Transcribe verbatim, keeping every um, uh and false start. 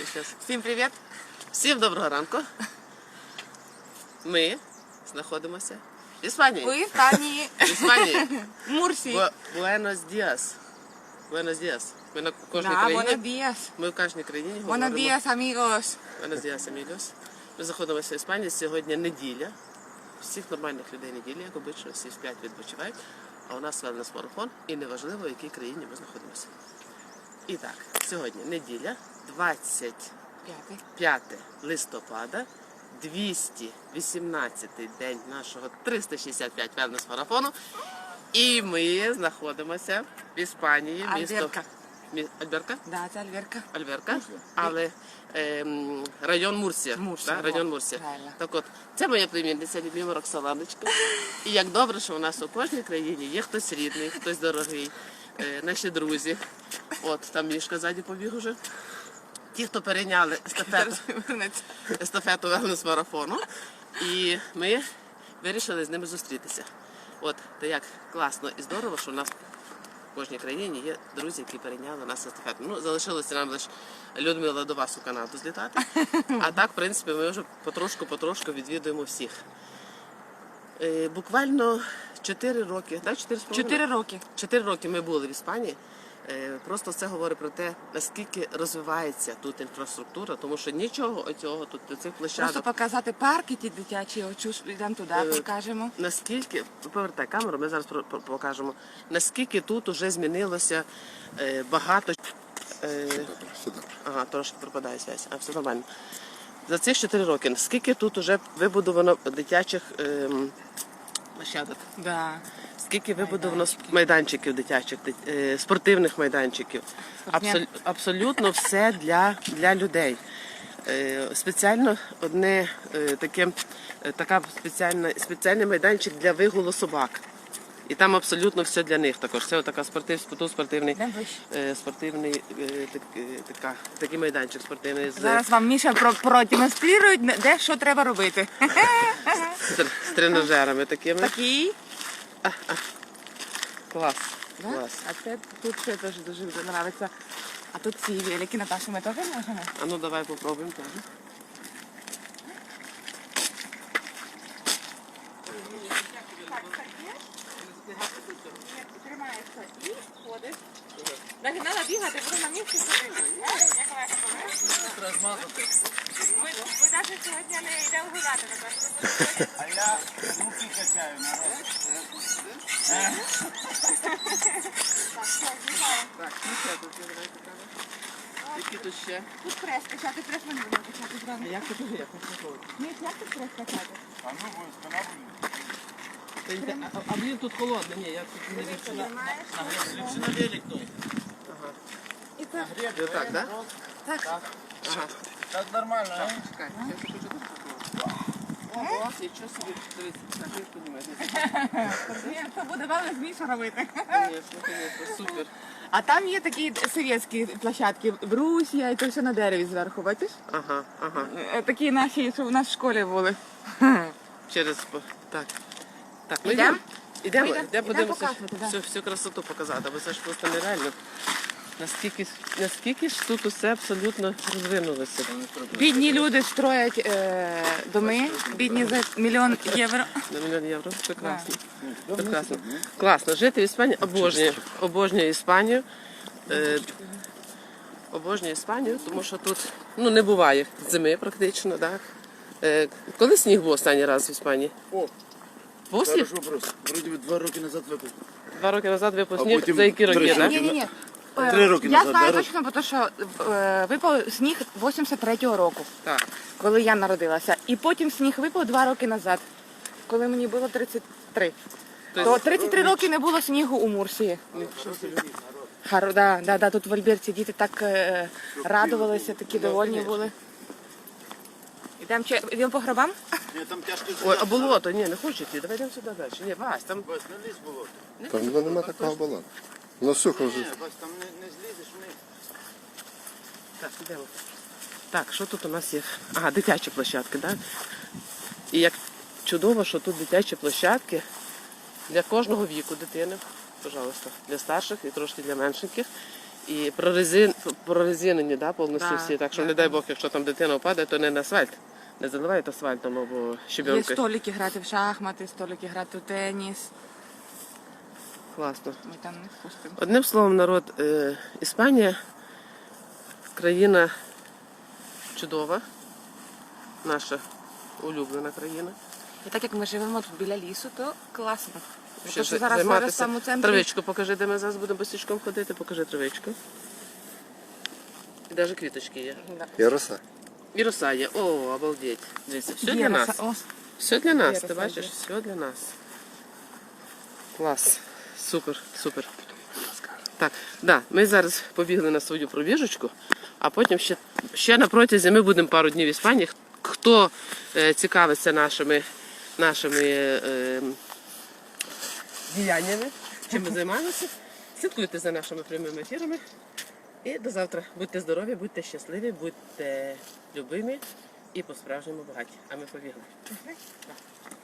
Щас. Всім привіт! Всім доброго ранку. Ми знаходимося в Іспанії. В Іспанії. В Іспанії. Мурсі. Бу- Буенос Діас. Буенос Діас. Ми на кожній Да, buenos країні. días. Ми в кожній країні Buenos говоримо. días, amigos. Буенос Діас, амігос. Ми знаходимося в Іспанії. Сьогодні неділя. Всіх нормальних людей неділя, як обично, всі в п'ять відпочивають. А у нас велнес-марафон і неважливо, в якій країні ми знаходимося. І так, сьогодні неділя, двадцять П'ятий. п'яте листопада, двісті вісімнадцятий день нашого триста шістдесят п'ять велнес-марафону. І ми знаходимося в Іспанії, місто Альберка. Мі... Альберка? Да, це Альверка. Альберка, але ем, район Мурсія. Мурсія, да? Район во, Мурсія. правильно. Так от, це моя племінниця, любима Роксоланочка. І як добре, що у нас у кожній країні є хтось рідний, хтось дорогий, е, наші друзі. От, там Мішка ззаді побіг уже. Ті, хто перейняли естафету, естафету велнес-марафону. І ми вирішили з ними зустрітися. От, то як класно і здорово, що у нас в кожній країні є друзі, які перейняли нас естафету. Ну, залишилося нам лише Людмила до вас у Канаду злітати. А так, в принципі, ми вже потрошку-потрошку відвідуємо всіх. Е, буквально чотири роки, так? чотири з половиною? Чотири роки. Чотири роки ми були в Іспанії. Е, Просто це говорить про те, наскільки розвивається тут інфраструктура, тому що нічого оцього тут, цих площадок. Просто показати парки ті дитячі, очу йдемо туди, Е, покажемо. Наскільки, повертай камеру, ми зараз про- про- покажемо, наскільки тут вже змінилося е, багато. Е, ага, трошки пропадає зв'язь, а все нормально. За ці чотири роки, наскільки тут вже вибудовано дитячих ем, площадок, Да. скільки вибудовано майданчиків дитячих, дит- е, спортивних майданчиків. Абсол- абсолютно все для, для людей. Е, Спеціально одне е, таке, е, така спеціальна, спеціальний майданчик для вигулу собак. І там абсолютно все для них також. Це така спортив, тут спортивний, Йдемо вище. е, спортивний е, так, е, така, такий майданчик спортивний з, Зараз вам Міша про- продемонструє, де що треба робити. з, з тренажерами такими. Такий. Клас. Да? Клас. А це тут ще теж дуже подобається. А тут ці великі, Наташа, ми теж можемо? А ну давай попробуємо теж. Тримаєшся і ходиш. Так не треба бігати, буду на місці ходити. Як легко, Ми, ми навіть сьогодні не йдемо гуляти, напевно. А я руки качаю, народ. Так, ну що тут є, давай покажемо. Які тут ще? Тут прес качати, прес ми не будемо качати А зразу. як тут є? Як тут проходить? Ні, як тут прес качати? А ну, буде спина буде. Та йде- А, а блін, тут холодно. Ні, як тут не ліпше на... Ліпше на велик той. І це. Ти так, да? Так. Ага. Так нормально, а? Чекай, я ще хочу тут попробувати. Ого, нічого собі. Дивіться, так, як піднімаєте? Ні, це буде велик Міша робити. Звісно, звісно, супер. А там є такі совєтські площадки, брусья, і то все на дереві зверху, бачиш? Ага, ага. Е, Такі наші, що в нас в школі були. Через... по- Так. Так, ну Ідем? йдемо. Ідемо, Ідем, йдемо подивимося показувати, да. всю, всю красоту показати, бо це ж просто нереально. Наскільки, наскільки ж тут усе абсолютно розвинулося. Бідні люди строять е, доми, бідні за мільйон євро. На мільйон євро. Прекрасно. Прекрасно. Класно. Жити в Іспанії обожнюю. Обожнюю Іспанію. Е, обожнюю Іспанію, тому що тут ну, не буває зими практично. Так? Е, коли сніг був останній раз в Іспанії? О, Був сніг? хороший вопрос. Вроді би два роки назад випив. Два роки назад випав А сніг. потім За які роки? три так? роки. Ні, ні, ні. Три роки Я назад, знаю да, точно, тому що е, випав сніг вісімдесят третього року, Так. коли я народилася. І потім сніг випав два роки назад, коли мені було тридцять три. То тридцять три роки не було снігу у Мурсії. Гаро, да, да, да, тут в Альберті діти так е, радувалися, такі довольні були. Ідемо чи- ідемо по гробам? Ні, там тяжко Ой, а болото? Ні, не хочу йти. Давай йдемо сюди далі. Ні, Вась, там... Бась, не лізь було. Там воно нема такого балансу. Воно сухо вже. Ні, Бась, там не, не злізеш вниз. Так, ідемо. Так, що тут у нас є? Ага, дитячі площадки, так? І як чудово, що тут дитячі площадки для кожного віку дитини, пожалуйста, для старших і трошки для меншеньких. І прорезин, прорезинені, да, повністю Да, всі. Так що, да, не дай Бог, якщо там дитина впаде, то не на асфальт. Не заливають асфальтом або Є щебенкою. столики грати в шахмати, столики грати в теніс. Класно. Ми там не впустимо. Одним словом, народ, е, Іспанія країна чудова, наша улюблена країна. І так як ми живемо тут біля лісу, то класно. Ще Тому що за- зараз зараз займатися. саме в центрі. Травичку покажи, де ми зараз будемо босичком ходити, покажи травичку. І навіть квіточки є. Да. Є роса. І роса є. О, обалдеть. Дивіться, все Є для нас. роса. О, Все для нас, Є ти роса, бачиш? є. Все для нас. Клас. Супер, супер. Так, да, ми зараз побігли на свою пробіжечку, а потім ще, ще на протязі ми будемо пару днів в Іспанії. Хто е, цікавиться нашими, нашими е, діяннями, чим ми займаємося, слідкуйте за нашими прямими ефірами. І до завтра. Будьте здорові, будьте щасливі, будьте любимі і по-справжньому багаті. А ми побігли.